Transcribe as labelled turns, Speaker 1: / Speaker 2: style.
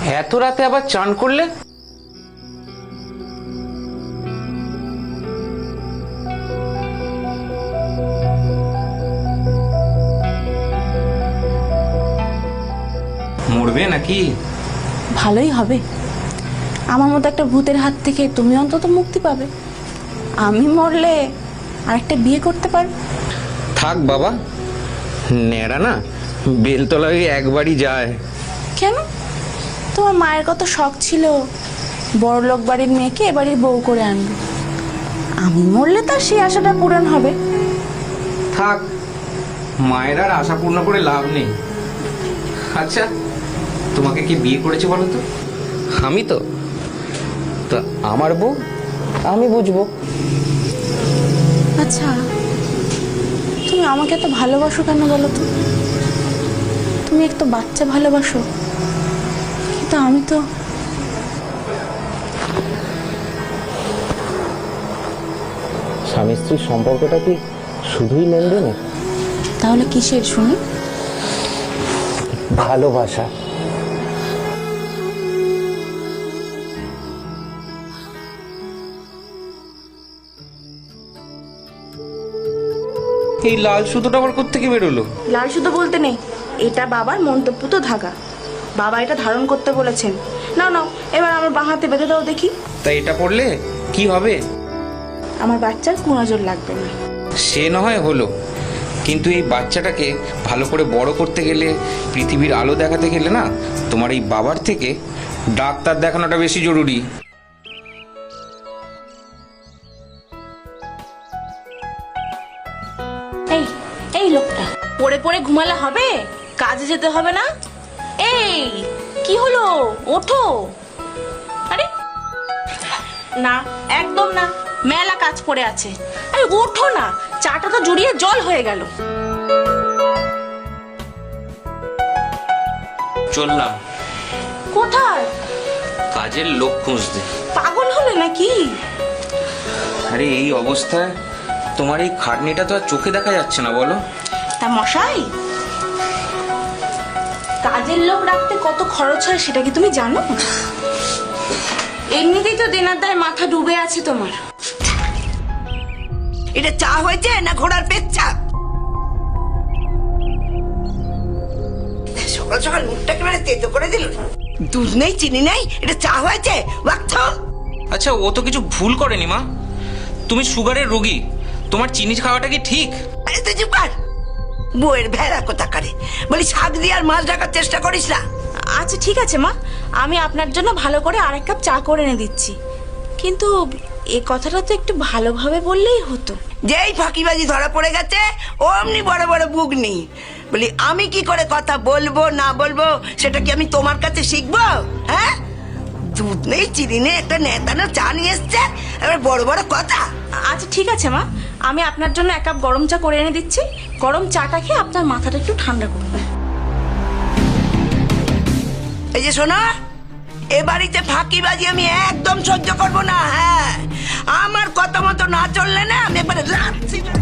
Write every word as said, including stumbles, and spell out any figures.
Speaker 1: এত রাতে আবার চান করলে? মরবে নাকি?
Speaker 2: ভালোই হবে, আমার মতো একটা ভূতের হাত থেকে তুমি অন্তত মুক্তি পাবে। আমি মরলে আরেকটা বিয়ে করতে পারবে।
Speaker 1: থাক বাবা, নেড়া না বেলতলা ওই একবারই যায়।
Speaker 2: কেন? তোমার মায়ের কত শখ ছিল বড়লোক বাড়ির মেয়েকে এ বাড়ির বউ করে আনবে। আমি মরলে তার সেই আশাটা পূরণ হবে।
Speaker 1: থাক, মায়ের আর আশা পূর্ণ করে লাভ নেই। আচ্ছা, তোমাকে কি বিয়ে করেছে বলো তো? আমি তো তো আমার বউ আমি বুঝবো।
Speaker 2: আচ্ছা, তুমি আমাকে এত ভালোবাসো কেন বলো তো? তুমি একটু বাচ্চা ভালোবাসো, কিন্তু আমি তো।
Speaker 1: স্বামী স্ত্রীর সম্পর্কটা কি শুধুই লেনদেনের?
Speaker 2: তাহলে কিসের শুনি?
Speaker 1: ভালোবাসা। এই লাল সুতোটা আবার কোত্থেকে বেরোলো?
Speaker 2: লাল সুতো বলতে নেই, এটা বাবার মন্তব্য ধাগা। বাবা এটা ধারণ করতে বলেছেন। নাও নাও, এবার আমার বাঁ হাতে বেঁধে দাও দেখি।
Speaker 1: তাই এটা পড়লে কি হবে?
Speaker 2: আমার বাচ্চার কুনজর লাগবে না।
Speaker 1: সে না হয় হলো, কিন্তু এই বাচ্চাটাকে ভালো করে বড় করতে গেলে, পৃথিবীর আলো দেখাতে গেলে না, তোমার এই বাবার থেকে ডাক্তার দেখানোটা বেশি জরুরি।
Speaker 2: এই এই লোকটা পড়ে পড়ে ঘুমালে হবে? কাজে যেতে হবে না? এই কি হলো, ওঠো। আরে না, একদম না, মেলা কাজ পড়ে আছে। আরে ওঠো না, চাটা তো জড়িয়ে জল হয়ে গেল।
Speaker 1: চললাম।
Speaker 2: কোথায়?
Speaker 1: কাজের লোক খুঁজতে।
Speaker 2: পাগল হলে নাকি?
Speaker 1: আরে এই অবস্থায় তোমার এই খাটনিটা তো আর চোখে দেখা যাচ্ছে না বলো।
Speaker 2: তা মশাই, কাজের লোক রাখতে কত খরচ হয় সেটা কি তুমি জানো? এমনিতেই তো দেনার দায় মাথা ডুবে আছে তোমার।
Speaker 3: এটা চা হয়েছে না ঘোড়ার পেচ্ছা? সকাল সকাল মুখটা একেবারে তেতো করে দিল। দুধ নেই, চিনি নেই, এটা চা হয়েছে?
Speaker 1: আচ্ছা, ও তো কিছু ভুল করেনি মা। তুমি সুগারের রোগী, তোমার চিনি খাওয়াটা কি ঠিক?
Speaker 3: আরে তুই চুপ কর, বউয়ের ভেড়া কোথা করে। বলি শাক দিয়ে আর মাছ ঢাকার চেষ্টা করিস না।
Speaker 2: আচ্ছা ঠিক আছে মা, আমি আপনার জন্য ভালো করে আরেক কাপ চা করে এনে দিচ্ছি। কিন্তু এই কথাটা তো একটু ভালোভাবে বললেই হতো।
Speaker 3: যেই ফাঁকিবাজি ধরা পড়ে গেছে অমনি বড় বড় বুক নেই। বলি আমি কি করে কথা বলবো না বলবো সেটা কি আমি তোমার কাছে শিখবো? হ্যাঁ, দুধ নেই, চিনি নেই, একটা নেতানো চা নিয়ে এসছে, এবার বড় বড় কথা।
Speaker 2: আচ্ছা ঠিক আছে মা, আমি আপনার জন্য এক কাপ গরম চা করে এনে দিচ্ছি। গরম চাটা খেয়ে আপনার মাথাটা একটু ঠান্ডা করুন।
Speaker 3: এই যে শোনো, এ বাড়িতে ফাঁকিবাজি আমি একদম সহ্য করবো না। হ্যাঁ, আমার কথা মতো না চললে না আমি একবারে লাথি